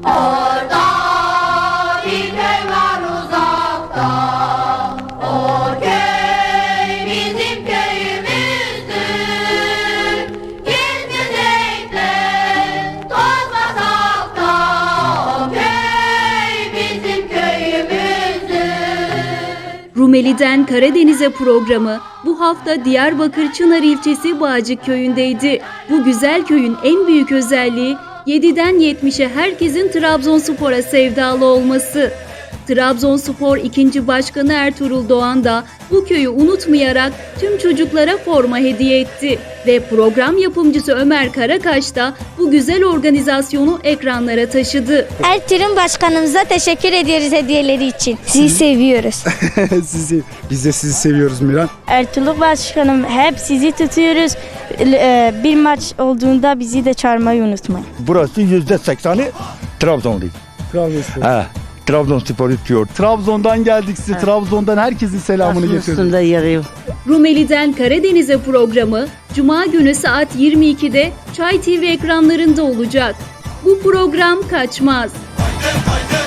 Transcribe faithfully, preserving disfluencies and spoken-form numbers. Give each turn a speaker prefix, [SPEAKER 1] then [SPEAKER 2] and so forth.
[SPEAKER 1] Orada bir köy var uzakta, o köy bizim köyümüzdür. Gül güneşle tozmasak da, o köy bizim köyümüzdür.
[SPEAKER 2] Rumeli'den Karadeniz'e programı bu hafta Diyarbakır Çınar ilçesi Bağcık köyündeydi. Bu güzel köyün en büyük özelliği yediden yetmişe herkesin Trabzonspor'a sevdalı olması. Trabzonspor ikinci Başkanı Ertuğrul Doğan da bu köyü unutmayarak tüm çocuklara forma hediye etti. Ve program yapımcısı Ömer Karakaş da bu güzel organizasyonu ekranlara taşıdı.
[SPEAKER 3] Ertuğrul Başkanımıza teşekkür ediyoruz hediyeleri için. Sizi seviyoruz.
[SPEAKER 4] sizi, biz de sizi seviyoruz Miran.
[SPEAKER 3] Ertuğrul Başkanım hep sizi tutuyoruz. Bir maç olduğunda bizi de çağırmayı unutmayın.
[SPEAKER 5] Burası yüzde sekseni Trabzonlu.
[SPEAKER 4] Trabzonspor.
[SPEAKER 5] Ha, Trabzonspor tutuyor.
[SPEAKER 4] Trabzon'dan geldik size. Trabzon'dan herkesin selamını getirdik.
[SPEAKER 2] Rumeli'den Karadeniz'e programı Cuma günü saat yirmi ikide Çay T V ekranlarında olacak. Bu program kaçmaz.
[SPEAKER 6] Haydi haydi.